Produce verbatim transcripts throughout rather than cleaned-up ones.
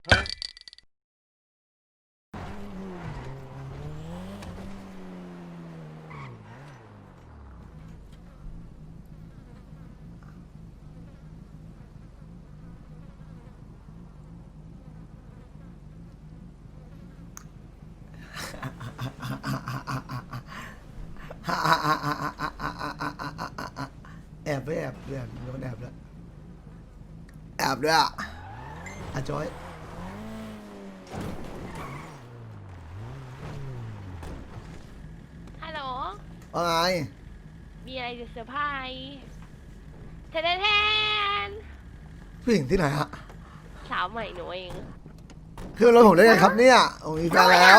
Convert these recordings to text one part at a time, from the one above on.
แอบไปแอบแอบโดนแอบแล้วแอบด้วยอ่ะอาจอยฮัลโหลว่าไงมีอะไรจะเซอร์ไพรส์แทนแทนผู้หญิงที่ไหนฮะสาวใหม่หนูเองคือรถผมได้ไงครับเนี่ยผมมีแฟนแล้ว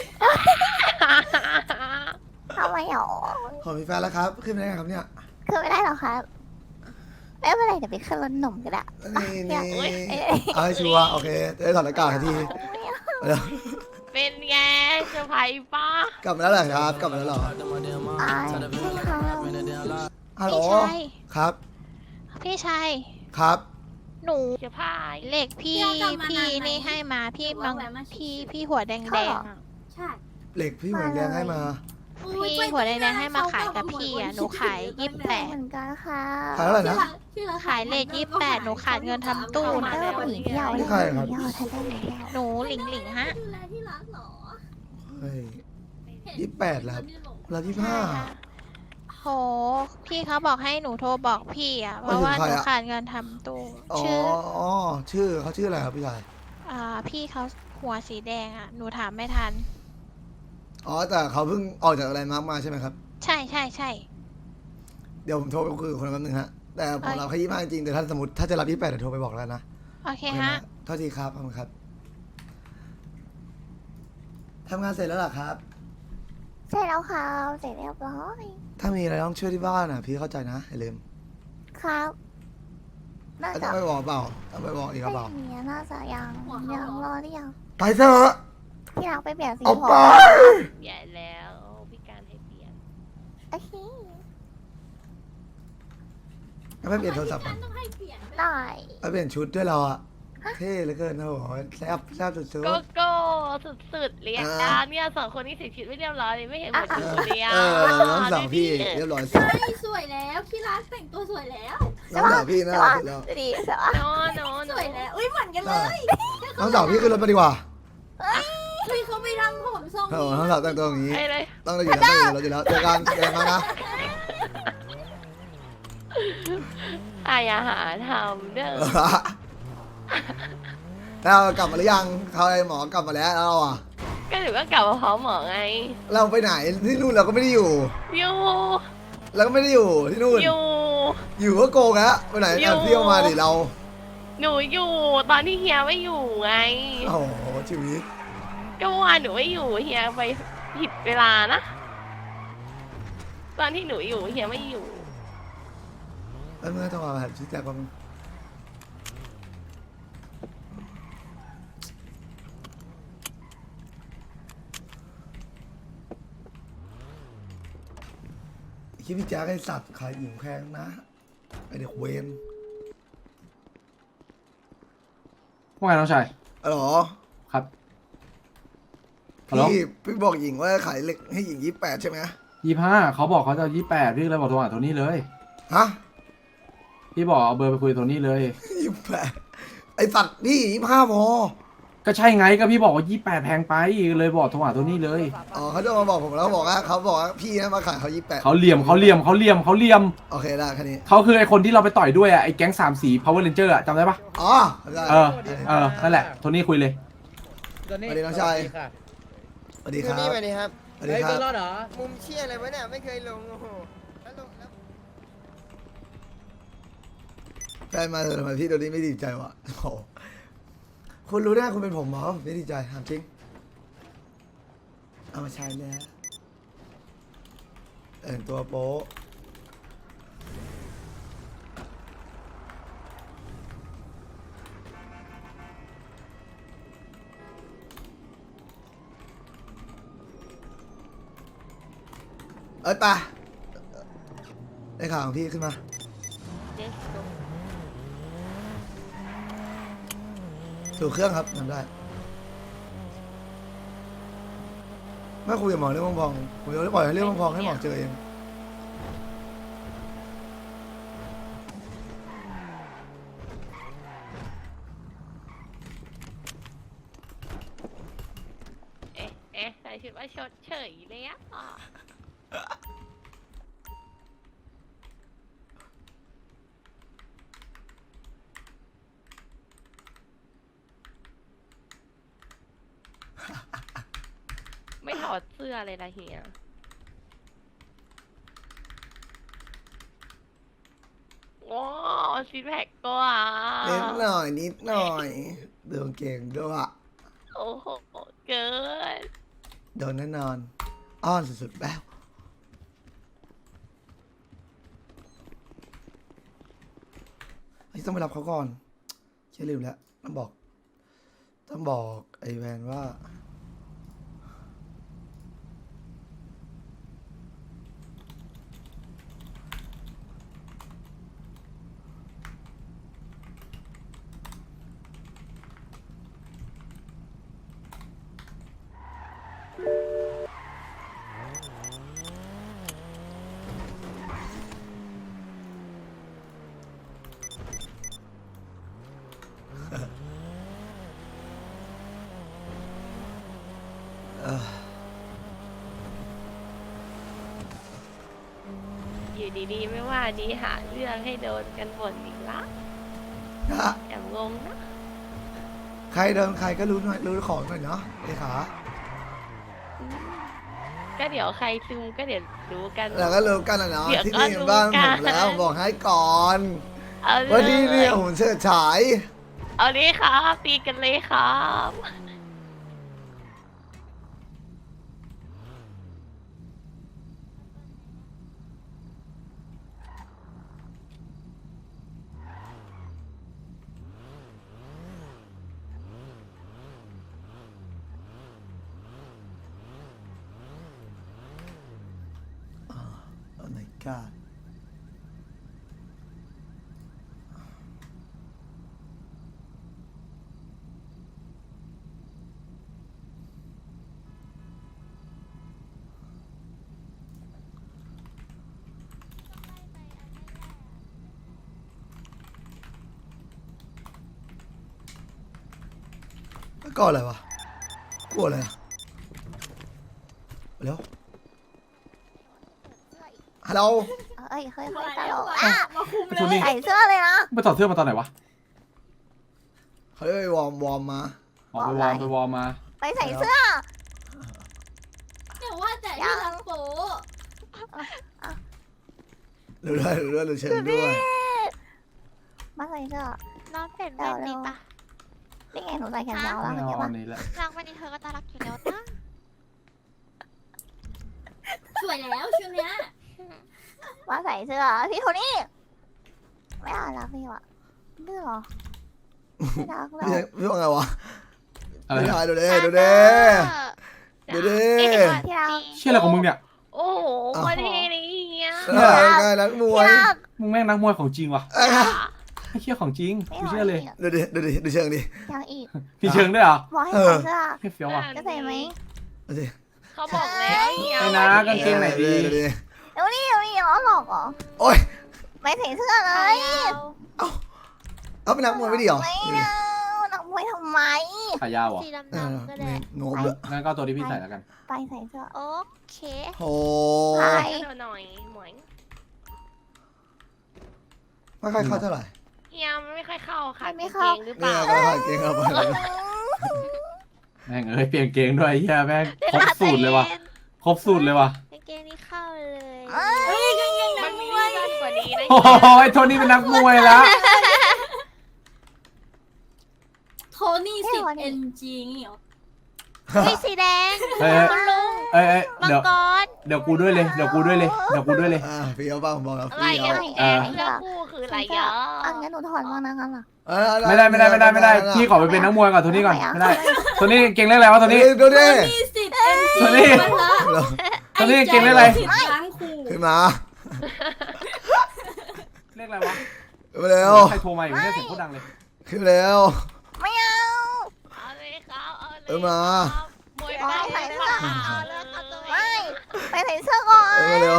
ทำไมหรอผมมีแฟนแล้วครับขึ้นไม่ได้ไงครับเนี่ยขึ้นไม่ได้หรอครับไม่เป็นไรเดี๋ยวไปขึ้นรถหนุ่มก็ได้นี่นี่เอาให้ชัวร์โอเคได้ถอดหน้ากากทันทีเป็นไงเซอร์ไพรส์ป้ากลับมาแล้วเหรอครับกลับมาแล้วเหรออ่าใช่ค่ะฮัลโหลครับพี่ชายครับหนูเซอร์ไพรส์เหล็กพี่พี่นี่ให้มาพี่บางพี่พี่หัวแดงแดงใช่เหล็กพี่หัวแดงให้มาพี่หัวแดงแดงให้มาขายกับพี่อ่ะหนูขายยี่สิบแปดเหมือนกันค่ะขายเท่าไหร่นะขายเลทยี่สิบแปดหนูขาดเงินทำตู้นะนี่ใครครับหนูหลิงหลิงฮะเฮ้ยยี่สิบแปดแล้วเรายี่สิบห้าโหพี่เขาบอกให้หนูโทรบอกพี่อ่ะเพราะว่าหนูขาดเงินทำตู้ชื่ออ๋อชื่อเขาชื่ออะไรครับพี่ชายอ่าพี่เขาหัวสีแดงอ่ะหนูถามไม่ทันอ๋อแต่เขาเพิ่งออกจากอะไรมาร์กมาใช่ไหมครับใช่ใช่ใช่เดี๋ยวผมโทรไปคุยกับคนนั้นนึงฮะแต่ผมรับแค่ยี่สิบห้าจริงแต่ถ้าสมมติถ้าจะรับยี่สิบแปดเดี๋ยวโทรไปบอกแล้วนะโอเคฮะเท่าทีครับขอบคุณครับทำงานเสร็จแล้วหรอครับเสร็จแล้วค่ะเสร็จเรียบร้อยถ้ามีอะไรต้องช่วยที่บ้านอ่ะพี่เข้าใจนะอย่าลืมครับน่าจะไปบอกเปล่าต้องไปบอกอีกเปล่าไม่น่าจะยังยังรอหรือยังไปเถอะพี่รักไปเปลี่ยนสีผมใหญ่แล้วพี่การให้เปลี่ยนโอเคไม่เปลี่ยนโทรศัพท์ได้ไม่เปลี่ยนชุดด้วยเราอะเท่เหลือเกินนะโหแซ่บแซ่บสุดๆโกโก้สุดๆเรียกดาเนี่ยสองคนนี้เสียชีวิตไม่เรียบร้อยเลยไม่เห็นเหมือนกันเลยอ่ะเออน้องสาวพี่เรียบร้อยสุดใช่สวยแล้วพี่รักแต่งตัวสวยแล้วน้องสาวพี่น่ารักแล้วดีใช่ปะโน้โน้สวยแล้วอุ้ยเหมือนกันเลยน้องสาวพี่ขึ้นรถมาดีกว่าพี่เขาไปทำผมทรงนี้น้องสาวแต่งตัวอย่างนี้ต้องเราอยู่แล้วเราอยู่แล้วเจอกันเจอกันนะอายอาหารทำเด้อเรากลับมาหรือยังเขาไอ้หมอกลับมาแล้วเราอ่ะก็ถือว่าเก่าพร้อมหมอไงเราไปไหนที่นู่นเราก็ไม่ได้อยู่อยู่เราก็ไม่ได้อยู่ที่นู่นอยู่อยู่ก็โกงฮะไปไหนแอบเที่ยวมาดิเราหนูอยู่ตอนที่เฮียไม่อยู่ไงโอ้โหชีวิตก็ว่าหนูไม่อยู่เฮียไปผิดเวลานะตอนที่หนูอยู่เฮียไม่อยู่แล้วเมื่อต้องมาแบบชี้แจงความคิดพี่แจ๊คไอ้สัตว์ขายหญิงแพงนะไอเด็กเวนว่าไงน้องชายอ๋อครับพี่พี่บอกหญิงว่าขายเหล็กให้หญิงยี่สิบแปดใช่ไหมยี่ห้าเขาบอกเขาจะยี่แปดพี่เลยบอกโทรหาโทนี่เลยฮะพี่บอกเอาเบอร์ไปคุยโทนี่เลยยี่สิบแปดไอสัตว์พี่ยี่ห้าพอก็ใช่ไงก็พี่บอกว่ายี่แปดแพงไปเลยบอกโทรหาโทนี่เลยอ๋อเขาจะมาบอกผมแล้วบอกว่าเขาบอกว่าพี่นะมาขายเขายี่แปดเขาเหลี่ยมเขาเหลี่ยมเขาเหลี่ยมเขาเหลี่ยมโอเคได้แค่นี้เขาคือไอคนที่เราไปต่อยด้วยอ่ะไอแก๊งสามสี Power Ranger อ่ะจำได้ปะอ๋อเออเออนั่นแหละโทนี่คุยเลยสวัสดีน้องชายสวัสดีครับสวัสดีครับสวัสดีครับรอดเหรอมุมเชี่ยอะไรวะเนี่ยไม่เคยลงโอ้โหแล้วลงแล้วได้มาเถอะทำไมพี่ตัวนี้ไม่ดีใจวะโอ้คุณรู้ได้คุณเป็นผมหรอไม่ดีใจถามจริงเอามาใช้แล้วแต่งตัวโป๊ะเอ้ยป่ะได้ข่าวของพี่ขึ้นมาถูกเครื่องครับทำได้ไม่คุยกับหมอเรื่องมังพองผมจะปล่อยให้เรื่องมังพองให้หมอเจอเองเอ๊ะเอ๊ะใส่ชุดว่าชดเฉยเลยอะไม่ถอดเสื้อเลยนะเฮียโอ้ซิแพคก็อ่ะนิดหน่อยนิดหน่อยเดินเก่งด้วยอะโอ้โหเกินโดนแน่นอนอ้อนสุดๆแล้วไอ้ยต้องไปรับเขาก่อนเชื่อลืมแล้วต้องบอกต้องบอกไอ้แวนว่าเอออยู่ดีๆไม่ว่าดีหาเรื่องให้โดนกันบ่นอีกละนะแอบงงนะใครเดินใครก็รู้หน่อยรู้ของหน่อยเนาะเลขาก็เดี๋ยวใครซึมก็เดี๋ยวรู้กันแล้วก็รู้กันนะเนาะเดี๋ยวที่ก็นี่รู้บ้านกัผนมแล้วผมบอกให้ก่อนเอาเลว่าที่นี่ยผมเชิดฉายเอาเลยครับตีกันเลยครับโอ้ my god แล้วก็อะไรวะกลัวอะไรอะเร็วฮัลโหลเอ้ยเฮ้ยมาเฮ้ยตแล้ลวกมาอ่ะมาคุมไอ้เลโทนี่ยใส่เสื้อเลยนะไปถอดเสื้อมาตอนไหนวะเฮ้ยวอร์มวอร์มมาออกไปวอร์มไปวอร์มมาไปใส่เสื้อเดี๋ยวว่าแต่ที่รังโปดูด้วยดูด้วยดูเชิงด้วยมาใส่เสื้อน้องเป็นแบบนี้ปะนี่ไงหนูใส่แขนยาวแล้วไม่เมื่อเอากี้ปะอันนี้แหละนางวันนี้เธอก็น่ารักอยู่แล้วนะสวยแล้วชุดเนี้ยมาใส่เสื้อพี่โทนี่ไม่น่ารักพี่วะดื้อเหรอไม่รักเราพี่พี่ว่าไงวะอะไรพี่นะชายดูดิดูดิดูดิที่รักเชี่ยอะไรของมึงเนี่ยโอ้โหคนเท่เลยเฮียเออไงนักมวยที่รักมึงแม่งนักมวยของจริงว่ะเอ้ยไม่เชื่อของจริงไม่กูหรเชื่อเลยดูดิดูดิดูเชิงดิยังอีกมีเชิงด้วยเหรอบอกให้ใส่เสื้อเฮ้ยเฟี้ยวว่ะจะใส่ไหมดูดิเขาบอกแล้วเฮียไอ้นะกางเกงไหนดีดูดิเดี๋ยวนี้เดี๋ยวนี้ล้อหลอกเหรอโอ้ยไม่ใส่เสื้อเลยเอาเป็นนักมวยไม่ดีเหรอไม่เอานักมวยทำไมขายาวเหรอสีเออดำๆก็ได้โง่เลยงั้นก็เอาตัวที่พี่ใส่แล้วกันไปใส่เสื้อโอเคโอ้ไปเดี๋ยวหน่อยหมวยไม่ค่อยเข้าเท่าไหร่เฮียมันไม่ค่อยเข้าค่ะไม่กางเข้าเกงหรือเปเนี่ยล่าก็ผ่านเกงเข้าไปเลยแม่งเอ้ยเปลี่ยนเกงด้วยเฮียแม่งครบสูตรเลยว่ะครบสูตรเลยว่ะกางเกงนี้เข้าเลยเอ้ยเฮ้ยยังยังมันันงมีมวยสั้นกว่านี้นะโอ้โหไอ้โทนี่เป็นนักมวยแล้วโทนี่สิบเอ็นจีนี่เหรอมีสีแดงเอ้ยคุณลุงเอ้ยเอ้ยมังเดี๋ยวกรเดี๋ยวกูด้วยเลยเดี๋ยวกูด้วยเลยเดี๋ยวกูด้วยเลยอ่าพี่เอาบ้างผมบอกแล้วอะไรพี่เอาอ่ะแอบเสื้อคู่คืออะไรอ่ะอันงั้นหนูถอดบ้างนะงั้นล่ะเออเอาไม่ได้ไม่ได้ไม่ได้ไม่ได้พี่ขอไปเป็นนักมวยก่อนโทนี่ก่อนไม่ได้โทนี่เก่งเรื่องอะไรวะโทนี่ดูโทดินี่สิบเอ็นโทจีนี่มาละโทนี่เก่งเรื่องอะไรสิบล้างคู่ขึ้นมาเรียกอะไรวะขึ้นมาเร็วใครโทรมาอยู่เนี่ยเสียงโคตรดังเลยขึ้นมาเร็วไม่เอาเออมามวยปั้มใส่เสื้อเอาเลิกเอาตัวเอไม่งไปใส่เสื้อก่อนเออเร็ว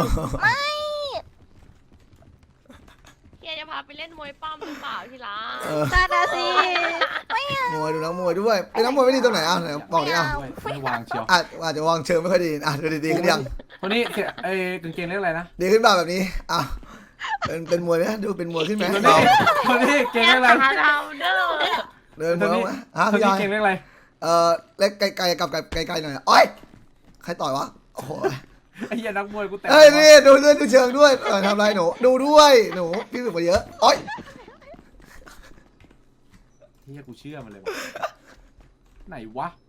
เฮียจะพาไปเล่นมวยปั้มหรือเปล่าที่รักเออจ้าดาสิมวยดูนักมวยด้วยเป็นนักมวยไม่ดีตรงไหนอ่ะไหนบอกดิอ่ะด้วยไม่วางเชียวอาจอาจจะวางเชิงไม่ค่อยดีอ่ะดูดีๆขึ้นยังคนนี้ไอ้กางเกงเรียกอะไรนะดีขึ้นป่ะแบบนี้อ่ะเป็นเป็นมวยไหมดูเป็นมวยขึ้นไหมคนนี้คนนี้เกงเรียกอะไรหาเราเด้อเดินมควยนนี้ไหมฮะคนพี่นี้ยายเกงเรียกอะไรเออเล็กไกลๆกับไกลๆหน่อยโอ้ยใครต่อยวะโอ้โหไอ้เหี้ยนักมวยกูแต่เฮ้ยนี่ดูเลื่อนดูเชิงด้วยเออทำอะไรหนูดูด้วยหนูพี่ฝึกมาเยอะโอ้ยเหี้ยกูเชื่อมันเลยวะไหนวะ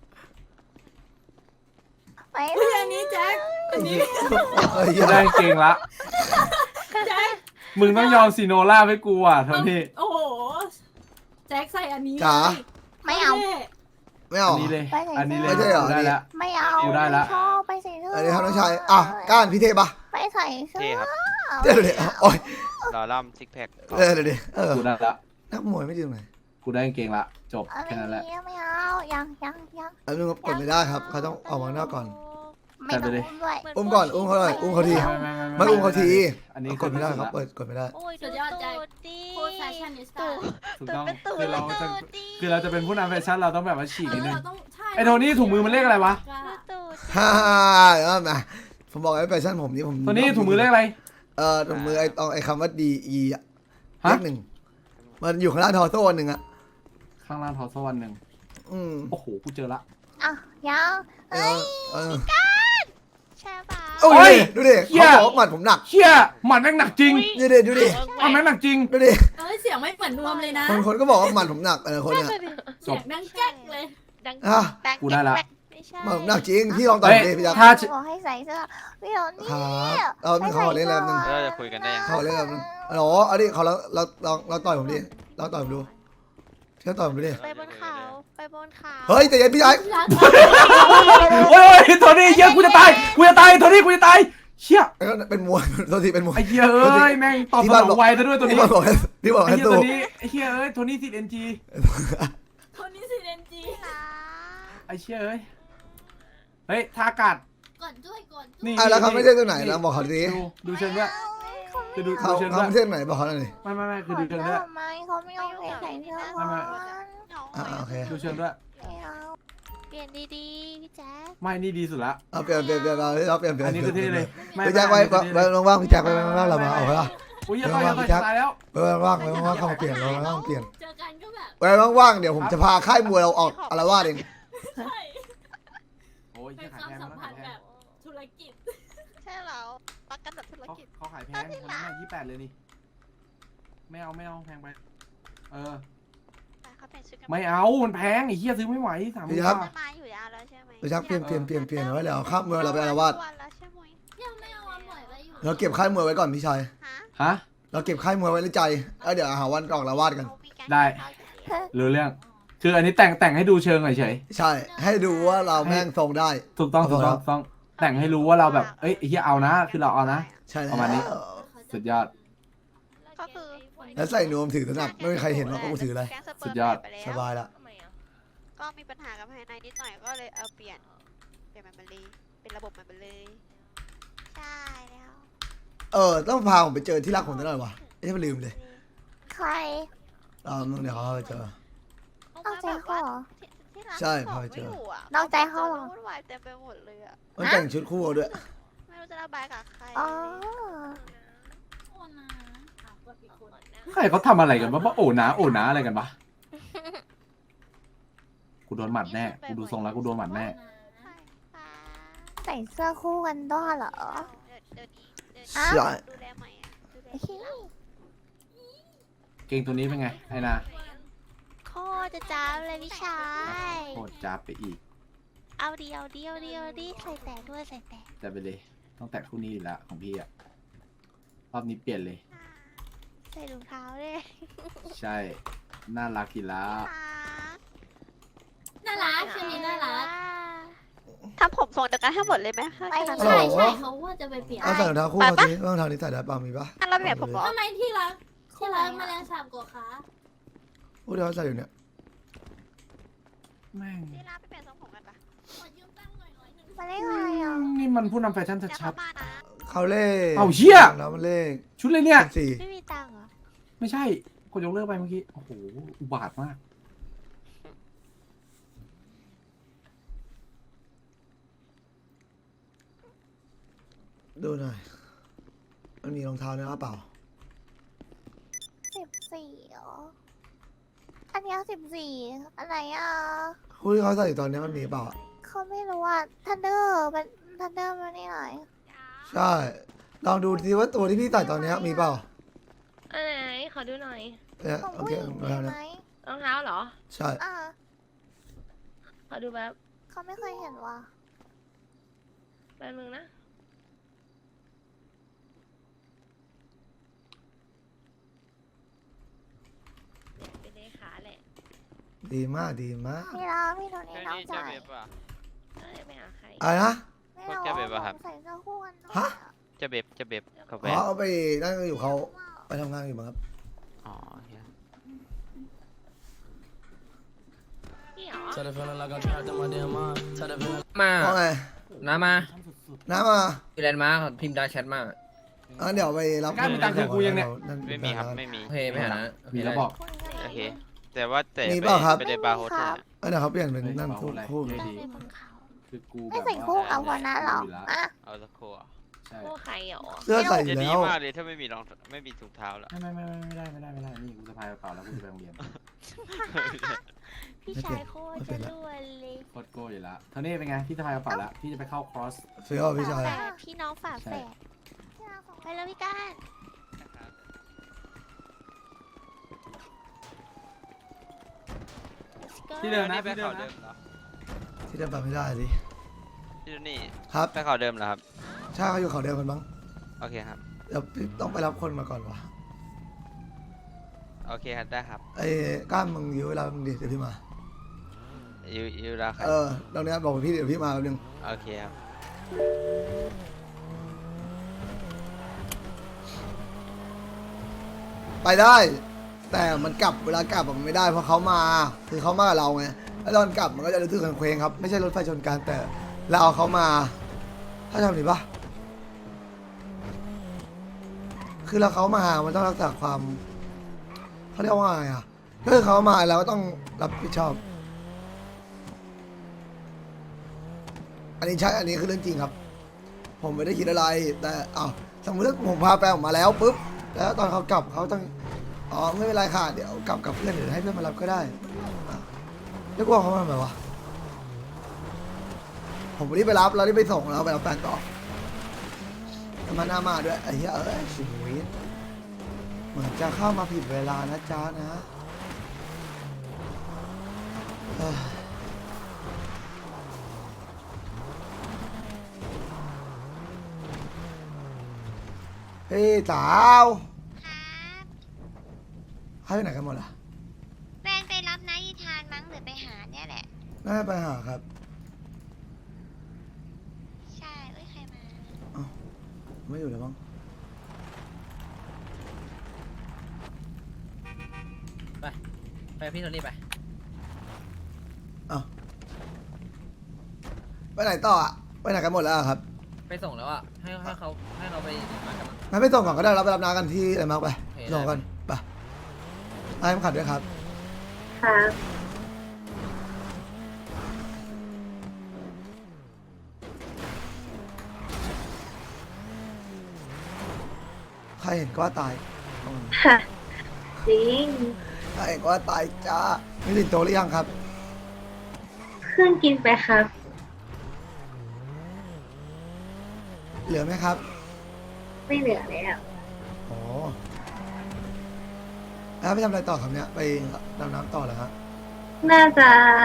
ไปเฮ้ยอันนี้แจ็คอันนี้เฮ้ยกูได้กางเกงละแจ็คมึงต้องยอมซีโนล่าให้กูอ่ะโทนี่โอ้โหแจ็คใส่อันนี้จ๋าไม่เอาไม่อัเอานนี้เลยไปไหนอันนี้เลยไม่ใช่เหรอกูได้ละไม่เอาอยู่ได้ละชอบไปใส่เสื้ออัอันนี้ครับน้องชายอ่ะก้านพี่เทพปะไปใส่เสื้อเท่ครับเดี๋ยวเดี๋ยวโอ้ยรอล่ำซิกแพคเดี๋ยวเดี๋ยวเดี๋ยวเออกูได้ละนักมวยไม่ดีตรงไหนกูได้กางเกงละจบอะไรแค่นั้นแหละเงี้ยไม่เอายังยังยังแล้วนึงกดไม่ได้ครับเขาต้องออกมาข้างนอกก่อนไม่ต้องอุ้มด้วยอุ้มก่อนอุ้มเขาหน่อยอุ้มเขาทีไม่ไม่ไม่ไม่อุ้มเขาทีอันนี้กดไม่ได้ครับเปิเปิดกดไม่ได้โอ้ยสุดูดยอดแจ็คตูดดิพูดแฟชั่นนิสต้าถูกต้องเป็นตูดคือเราจะตูดดิคือเราจะเป็นผู้นำแฟชั่นเราต้องแบบว่าฉีกนิดนึงเราต้องใช่ไอ้โทนี่ถุงมือมันเลขอะไรวะดูตูดฮ่าแล้วนะผมบอกไอ้แฟชั่นผมนี่ผมโทนี่ถุงมือเลขอะไรเออถุงมือไอ้ตองไอ้คำว่าดีอีอะเลฮะขหนึ่งมันอยู่ข้างล่างทอโซ่อันหนึ่งอะข้างล่างทอสวันหนึ่งอืมโอ้โหกูเจอละอ่ะยังเออเออใช่ปะโอ้ยดูดิเขาบอกว่าหมัดผมหนักเชี่ยหมัดแม่งหนักจริงดูดิดูดิหมัดแม่งหนักจริงดูดิเอ้ยเสียงไม่เหมือนนวมเลยนะคนคนก็บอกว่าหมัดผมหนักเออคนเนี่ยเสียงดังแจ๊กเลยดังอ่ะแบงกูได้ละไม่ใช่หมัดผมหนักจริงพี่ลองต่อยเฮ้ยดิพี่ยักษ์ถ้าบอกให้ใส่เสื้อพี่โดนี่ครับเราไม่ขอเล่นแล้วนึงแล้วเราจะคุยกันได้ยังขอเล่นแล้วนึงอ๋อเอาดิเขาเราเราเราเราต่อยผมดิเราต่อยผมดูเชื่อต่อยผมดูดิไปบนเขาไปบนเขาเฮ้ยแต่ยันพี่ชายรักโอ้ยโทนี่เหี้ยกูจะตายกูจะตายโทนี่กูจะตายเชี่ยแล้วก็เป็นมวยโทษทีเป็นมวยไอ้เหี้ยเอ้ยแม่งตอบสนองไวซะด้วยตัวที่นี้บอกให้ที่บอกไอ้ให้เหี้ยสู้ตัวนี้ไอ้เหี้ยเอ้ยโทนี่ติดเอ็นจีคนนี้สิเรนจีไอ้เชี่ยเอ้ยเฮ้ยทาอากาศก่อนด้วยก่อนด้วยนี่อ่ะแล้วเขาไม่ใช่ตัวไหนเราบอกเขาดิดูดูเชิงด้วยคือดูเขาดูเชิงเขาด้วยไม่ใช่ตัวไหนบอกเขาหน่อยดิไม่ไม่ไม่คือขอดูเชิงด้วยทำไมเขาไม่ยอมใส่เสื้อก่อนอ่าโอเคดูเชิงด้วยไม่เอาเปลี่ยนดีๆพี่แจ๊คไม่นี่ดีสุดละเอาเปลี่ยนเปลี่ยนเปลี่ยนเราเราเปลี่ยนเปลี่ยนอันนี้คือเท่เลยไม่พี่แจ็คไว้ไว้ว่างๆพี่แจ็คไว้ว่างๆเรามาเอาไปละอุ้ยอย่าต่อยอย่าต่อยตายแล้วไว้ว่างๆไว้ว่างๆเข้ามาเปลี่ยนเราว่างๆเปลี่ยนเจอกันก็แบบไว้ว่างๆเดี๋ยวผมจะพาค่ายมวยเราออกอารวาสเองใช่โอ้ยเป็นขายความแพงสัมเขาพัขาน ยธ์แพแบงบธุรกิจใช่เหรอปักกันแบบธุรเขากิจเขาขายแพงคนนั้นยี่แปดเลยนี่ไม่เอาไม่เอาแพงไปเออไปเขาเปลี่ยนชุดกันไม่เอามันแพงไอ้เหี้ยซื้อไม่ไหวสามหมื่นจะบาทมาอยู่ยาวแล้วใช่ไหมพี่แจ็คเปลี่ยนเปลี่ยนเปลี่ยนเปลี่ยนไว้เดี๋ยวค่ายมวยเราไปอารวาสวันแล้วใช่ไหมยังไม่เอาวันปล่อยไว้อยู่เราเก็บค่ายมวยไว้ก่อนพี่ชายฮะฮะเราเก็บค่ายมวยไว้ในใจแล้วเดี๋ยวหาวันออกอารวาสกันเขามีการได้ รู้เรื่อง คืออันนี้แต่งแต่งให้ดูเชิงเฉยใช่ให้ดูว่าเราแม่งทรงได้ๆถูกต้องถูกต้องถูกต้องแต่งให้รู้ว่าเราแบบเอ้ยไอ้เหี้ยเอานะ คือเราเอานะใช่ประมาณนี้ สุดยอดก็คือแล้วใส่นวมถือสนับไม่มีใครเห็นว่ากูถืออะไรแก๊งสเปิสุร์ดมยอดไปแล้วสบายละทำไมอ่ะก็มีปัญหากับภายในนิดหน่อยก็เลยเอาเปลี่ยนเปลี่ยนมันไปเลยเป็นระบบมันไปเลยใช่แล้วเออต้องพาผมไปเจอที่รักผมตลอดว่ะไม่ใช่ลืมเลยใครเราเดี๋ยวเขาไปเจอนอกใจเขาเหรอที่ที่ร้านใช่ขพาองไปไม่เจออยู่อะนอกใจเขาเหรอวุ่นวายเต็มไปหมดเลยอะมันแต่งชุดคู่ด้วยไม่รู้จะระบายกับใครอ๋อโอ้นะอ่ะกดอีกคนใครเขาทำอะไรกันวะว่าโอ้นะโอ้นะอะไรกันปะกูโดนหมัดแน่ กูดูทรงแล้วกูโดนหมัดแน่ใช่ค่ะใส่เสื้อคู่กันด้วยเหรอเดี๋ยวเดี๋ยวนี้เดี๋ยวอ้าวใช่ดูแลใหม่อะดูแลไอ้เหี้ยเกงตัวนี้เป็นไงไอ้นาโคตรจะจ้าบเลยพี่ชายโคตรจับไปอีกเอาดีเอาดีเอาดีเอาดีใส่แต่ด้วยใส่แต่จะไปเลย ต้องแตะคู่นี้อยู่แล้วของพี่อะรอบนี้เปลี่ยนเลยใส่รองเท้าด้วยใช่ น่ารักกีฬาน่ารักชื่อนี้น่ารักทำผมทรงเดียวกันให้หมดเลยไหมคะไม่ขนาดฮัลนั้นโหลใช่ใช่เขาว่าจะไปเปลี่ยนเอาใส่รองเท้าคู่เขาสิรองเท้านี้ใส่ได้ป่ะมีป่ะอันเราเปลี่ยนผมเหรอทำไมที่รักที่รักแมลงสาบกว่าคะพูดเดี๋ยวเขาใส่อยู่เนี่ยแม่งที่ร้านไปเปลี่ยนมาเลขอะไรอ่ะนี่มันผู้นำแฟชั่นเดี๋ยวชัเขาดมานะเขาเลขเอาเหี้ยแล้วมันเลขๆชุดเลยเนี่ยสี่ไม่มีตังค์เหรอไม่ใช่กดยกเลิกไปเมื่อกี้ โอ้โห อุบาทมากดูหน่อย มันมีรองเท้าเนื้อเปล่าสิบสี่เหรออันนี้สิบสี่อะไรอ่ะคู่ที่เขาใส่อยู่ตอนนี้มันมีเปล่าเขาไม่รู้ว่าทันเดอร์มันทันเดอร์มันนี่ไหนใช่ ลองดูทีว่าตัวที่พี่ใส่ตอนนี้มีเปล่าอันไหนขอดูหน่อยเนี่ยของโอผู้เคหญิงมามีแล้วไหนะมรองเท้าเหรอใช่อ่าขอดูแบบเขาไม่เคยเห็นว่ะแป๊บนึงนะเนี่ยเป็นเลขาแหละดีมากดีมากพี่เราพี่โทนี่น้องจ่ายเอ้ยไม่หาใครอะไรนะไม่เราพวกแกแบบว่าครับใส่เสื้อคู่กันด้วยฮะจะเบบจะเบบกาแฟอ๋อเอาไปนั่งอยู่เขาไปทำงานอยู่มั้งครับอ๋อเฮียพี่เหรอมาเพราะไงน้ามาน้ามาพี่แลนด์มาร์คพิมพ์ดาแชทมาอ่ะเดี๋ยวไปรับกล้ามีตังค์คืนกูยังเนี่ยไม่มีครับไม่มีโอเคไม่หานะมีแล้วบอกโอเค แต่ว่าแต่มีไปเปล่าครับไปในบาร์โฮสเทลน่ะเออเดี๋ยวเขาเปลี่ยนเป็นนั่นคู่คู่เฮ้ยดีเป็นบนเขาคือกูไม่แบบใส่คู่กับหัวหน้าหรออ่ะเอาสักครู่อะใช่พวกใครเหรอเสื้อใส่อจะยู่ดีแล้วมากเลยถ้าไม่มีรองไม่มีถุงเท้าละไม่ไม่ไม่ไม่ได้ไม่ได้ไม่ได้ นี่กูสะพายกระเป๋าแล้วกูจะไปโรงเรียนพี่ชายโคตรจะรวยเลยโคตรโก้อยู่แล้วเท่านี้เป็นไง พี่สะพายกระเป๋าแล้ว พี่จะไปเข้าคอร์สเฟี้ยวพี่ชายฝาแฝดพี่น้องฝาแฝดไปแล้วพี่ก้านที่เดิมนะนี่ไปที่เดิเขามเดินะมเหรอที่เดิมไปไม่ได้ดิที่นี่ครับไปเขาเดิมเหรอครับใช่เขาอยู่เขาเดิมกันมั้งโอเคครับเดี๋ยวพี่ต้องไปรับคนมาก่อนวะโอเคครับได้ครับไอ้ก้ามมึงยื้อเวลามึงดิเดี๋ยวพี่มายูยูราครับเออตรงเนี้ยบอกพี่เดี๋ยวพี่มาแป๊บนึงโอเคครับไปได้ แต่มันกลับเวลากลับอะมันไม่ได้เพราะเขามาคือเขามากับเราไงแล้วตอนกลับมันก็จะรู้สึกเคว้งๆครับไม่ใช่รถไฟชนกันแต่เราเอาเขามา ถ้าทำหรือปะคือเราเขามามันต้องรักษาความเขาเรียกว่าไงอ่ะถ้าเขามาเราก็ต้องรับผิดชอบ อันนี้ใช่อันนี้คือเรื่องจริงครับ ผมไม่ได้คิดอะไร แต่อ้าวสมมติถ้าผมพาแฟนออกมาแล้วปุ๊บแล้วตอนเขากลับเขาต้องอ๋อไม่เป็นไรค่ะเดี๋ยวกลับกับเพื่อนเดี๋ยวให้เพื่อนมารับก็ได้อ่ะแล้วกลัวเขามาทำไมวะผมไม่ได้ไปรับเราได้ไปส่งเราไปรับแฟนต่อแล้วมาหน้ามาด้วยไอ้เหี้ยเอ้ยชีวิตเหมือนจะเข้ามาผิดเวลานะจ๊ะนะเอ้ยเฮ้ยสาวครับให้ไปไหนกันหมดล่ะแฟนไปรับนายทานมั้งหรือไปหาเนี่ยแหละน่าจะไปหาครับใช่เอ้ยใครมาไม่อยู่แล้วมั้งไปพี่โทนี่ไปไปไหนต่ออ่ะไปไหนกันหมดแล้วอะครับไปส่งแล้วอ่ะให้ให้เขาให้เราไปมากันมั้งงั้นไปส่งก่อนก็ได้เราไปรับน้ากันที่อะไรมาร์กไปโอเคส่งกันไปไอ้ผมขัดด้วยครับครับใครเห็นก็ว่าตายอืมจริงใครเห็นก็ว่าตายจ้ามีสินโตหรือยังครับเครื่องกินไปครับเหลือไหมครับไม่เหลือแล้วโอ้แล้วไปทำอะไรต่อครับเนี่ยไปดำน้ำต่อเหรอฮะน่าจะ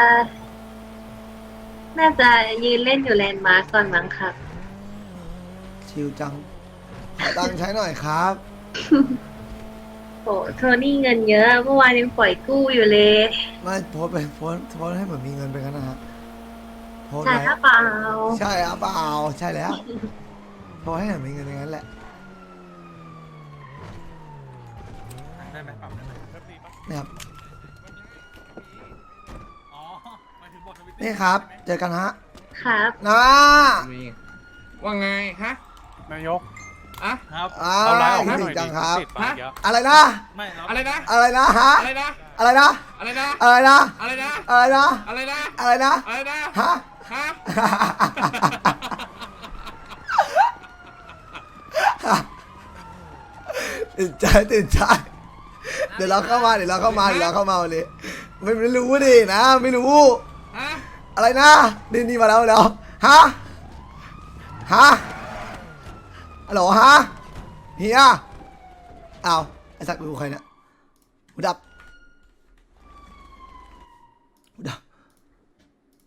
น่าจะยืนเล่นอยู่แลนด์มาร์กก่อนมั้งครับชิลจังขอตังค์ใช้หน่อยครับโอ้โทนี่เงินเยอะเมื่อวานยังปล่อยกู้อยู่เลยไม่โพสต์ไปโพสต์โพสต์ให้เหมือนมีเงินไปกันนะฮะโพสต์ใช่ไว้หรือเปล่าใช่ครับเปล่าใช่แล้วโพสต์ให้เหมือนมีเงินอย่างนั้นแหละได้ไหมปรับได้ไหมนี่ครับอ๋อหมายถึงบททวิตนี่ครับ เจอกันฮะครับนะว่าไงฮะนายกอะครับอ่าเอาไลน์ออกคิให้ดหถึน่อยงจัดิงครับติดไปเยอะอะไรนะไม่ครับอะไรนะอะไรนะฮะอะไรนะอะไรนะอะไรนะอะไรนะอะไรนะอะไรนะอะไรนะอะไรนะอะไรนะฮะฮะตื่นใจตื่นใจเดี๋ยวเราเข้ามาเดี๋ยวเราเข้ามาเดี๋ยวเราเข้ามาวันนี้ไม่ไม่รู้ดินะ ไม่รู้ฮะอะไรนะนี่นี่มาแล้วมาแล้วฮะฮะฮัลโหลฮะเฮียอ้าวไอ้สักดูใครเนี่ยหูดับ